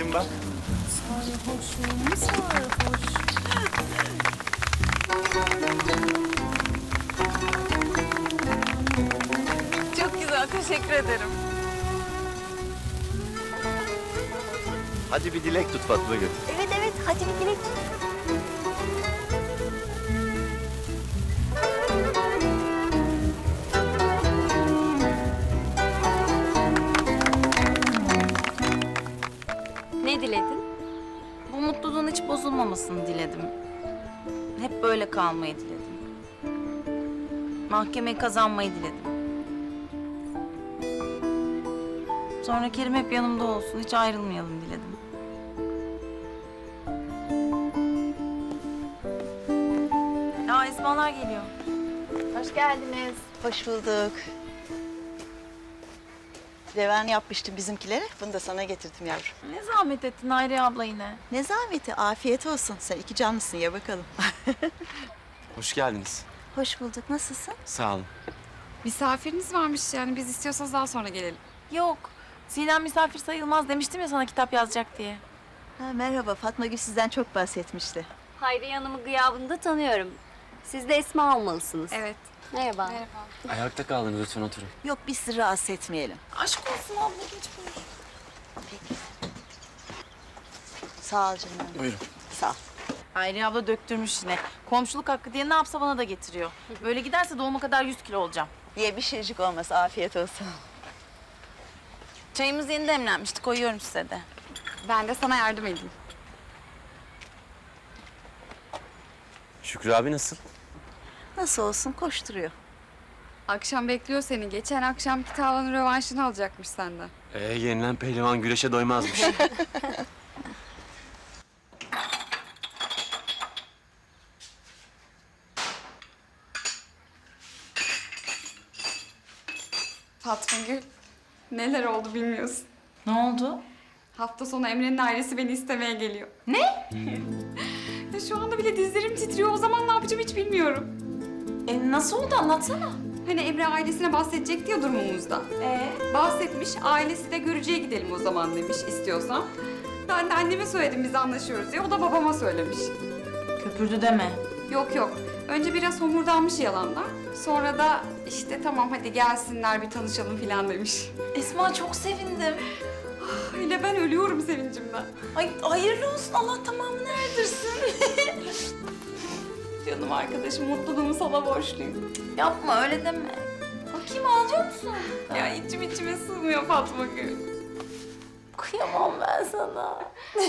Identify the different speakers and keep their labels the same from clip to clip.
Speaker 1: sarhoşum bak.
Speaker 2: Sarhoşum, sarhoş. Çok güzel, teşekkür ederim.
Speaker 1: Hadi bir dilek tut Fatma Gül.
Speaker 3: Evet evet hadi bir dilek.
Speaker 4: Ne diledin?
Speaker 2: Bu mutluluğun hiç bozulmamasını diledim. Hep böyle kalmayı diledim. Mahkemeyi kazanmayı diledim. Sonra Kerim hep yanımda olsun, hiç ayrılmayalım diledim. Ya Esmalar geliyor.
Speaker 3: Hoş geldiniz. Hoş bulduk. Reven yapmıştım bizimkilere. Bunu da sana getirdim yavrum.
Speaker 2: Ne zahmet ettin Hayriye abla yine.
Speaker 3: Ne zahmeti, afiyet olsun. Sen iki canlısın, ya bakalım.
Speaker 1: Hoş geldiniz.
Speaker 3: Hoş bulduk, nasılsın?
Speaker 1: Sağ olun.
Speaker 5: Misafiriniz varmış yani biz istiyorsanız daha sonra gelelim.
Speaker 2: Yok, Sinem misafir sayılmaz demiştim ya sana kitap yazacak diye.
Speaker 3: Ha, merhaba, Fatma Gül sizden çok bahsetmişti.
Speaker 4: Hayriye Hanım'ı gıyabında tanıyorum. Siz de Esma olmalısınız.
Speaker 5: Evet.
Speaker 4: Merhaba.
Speaker 5: Merhaba.
Speaker 1: Ayakta kaldınız, lütfen oturun.
Speaker 3: Yok, biz sizi rahatsız etmeyelim.
Speaker 2: Aşk olsun abla, geç buyur.
Speaker 3: Sağ ol canım.
Speaker 1: Buyurun.
Speaker 3: Sağ ol.
Speaker 2: Hayriye abla döktürmüş yine. Komşuluk hakkı diye ne yapsa bana da getiriyor. Böyle giderse doğuma kadar 100 kilo olacağım.
Speaker 3: Diye bir şeycik olmaz, afiyet olsun.
Speaker 2: Çayımız yeni demlenmişti, koyuyorum size de.
Speaker 5: Ben de sana yardım edeyim.
Speaker 1: Şükrü abi nasıl?
Speaker 3: Nasıl olsun, koşturuyor.
Speaker 5: Akşam bekliyor seni. Geçen akşamki tavanın rövanşını alacakmış senden.
Speaker 1: Yenilen pehlivan güreşe doymazmış.
Speaker 5: Fatma Gül, neler oldu bilmiyorsun.
Speaker 2: Ne oldu?
Speaker 5: Hafta sonu Emre'nin ailesi beni istemeye geliyor.
Speaker 2: Ne?
Speaker 5: Ya şu anda bile dizlerim titriyor. O zaman ne yapacağım hiç bilmiyorum.
Speaker 2: Nasıl oldu anlatsana.
Speaker 5: Hani Emre ailesine bahsedecekti ya durumumuzda. Bahsetmiş, ailesi de görücüye gidelim o zaman demiş istiyorsan. Ben de anneme söyledim biz anlaşıyoruz diye. O da babama söylemiş.
Speaker 2: Köpürdü deme.
Speaker 5: Yok yok. Önce biraz homurdanmış yalandan. Sonra da işte tamam hadi gelsinler bir tanışalım falan demiş.
Speaker 2: Esma çok sevindim.
Speaker 5: Öyle ben ölüyorum sevincimden.
Speaker 2: Ay hayırlı olsun, Allah tamamını erdirsin.
Speaker 5: Canım arkadaşım mutluluğumu sana borçluyum.
Speaker 2: Yapma öyle deme. Bakayım ağlıyor musun?
Speaker 5: Ya içim içime sığmıyor Fatma Gül.
Speaker 2: Kıyamam ben sana.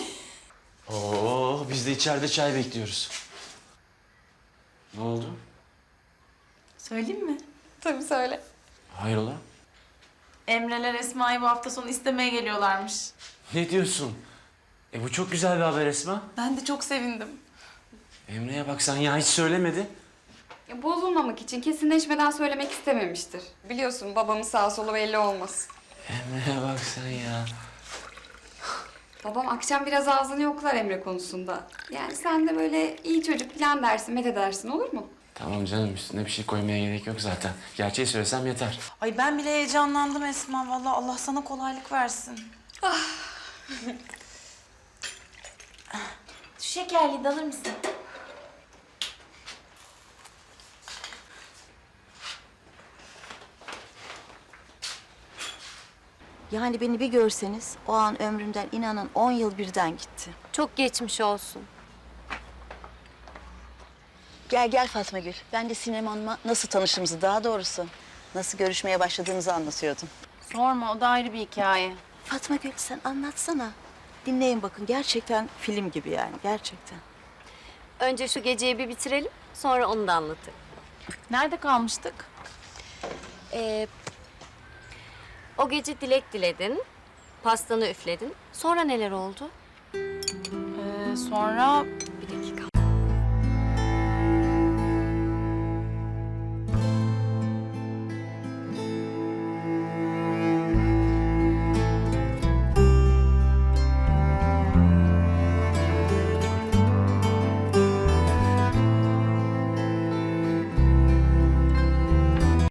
Speaker 1: Oo, biz de içeride çay bekliyoruz. Ne oldu?
Speaker 2: Söyleyeyim mi?
Speaker 5: Tabii söyle.
Speaker 1: Hayrola?
Speaker 2: Emreler Esma'yı bu hafta sonu istemeye geliyorlarmış.
Speaker 1: Ne diyorsun? Bu çok güzel bir haber Esma.
Speaker 2: Ben de çok sevindim.
Speaker 1: Emre'ye bak sen ya, hiç söylemedi.
Speaker 5: Ya, bozulmamak için kesinleşmeden söylemek istememiştir. Biliyorsun babamın sağ solu belli olmaz.
Speaker 1: Emre'ye bak sen ya.
Speaker 5: Babam akşam biraz ağzını yoklar Emre konusunda. Yani sen de böyle iyi çocuk falan dersin, met edersin olur mu?
Speaker 1: Tamam canım, üstüne bir şey koymaya gerek yok zaten. Gerçeği söylesem yeter.
Speaker 2: Ay ben bile heyecanlandım Esma. Vallahi Allah sana kolaylık versin. Şu şekerliği de alır mısın?
Speaker 3: Yani beni bir görseniz, o an ömrümden inanın 10 yıl birden gitti.
Speaker 4: Çok geçmiş olsun.
Speaker 3: Gel gel Fatma Gül. Ben de Sinem Hanım'la nasıl tanıştığımızı, daha doğrusu nasıl görüşmeye başladığımızı anlatıyordum.
Speaker 2: Sorma, o da ayrı bir hikaye.
Speaker 3: Fatma Gül sen anlatsana. Dinleyin bakın, gerçekten film gibi yani, gerçekten.
Speaker 4: Önce şu geceyi bir bitirelim, sonra onu da anlatırım.
Speaker 2: Nerede kalmıştık?
Speaker 4: O gece dilek diledin, pastanı üfledin. Sonra neler oldu?
Speaker 2: Sonra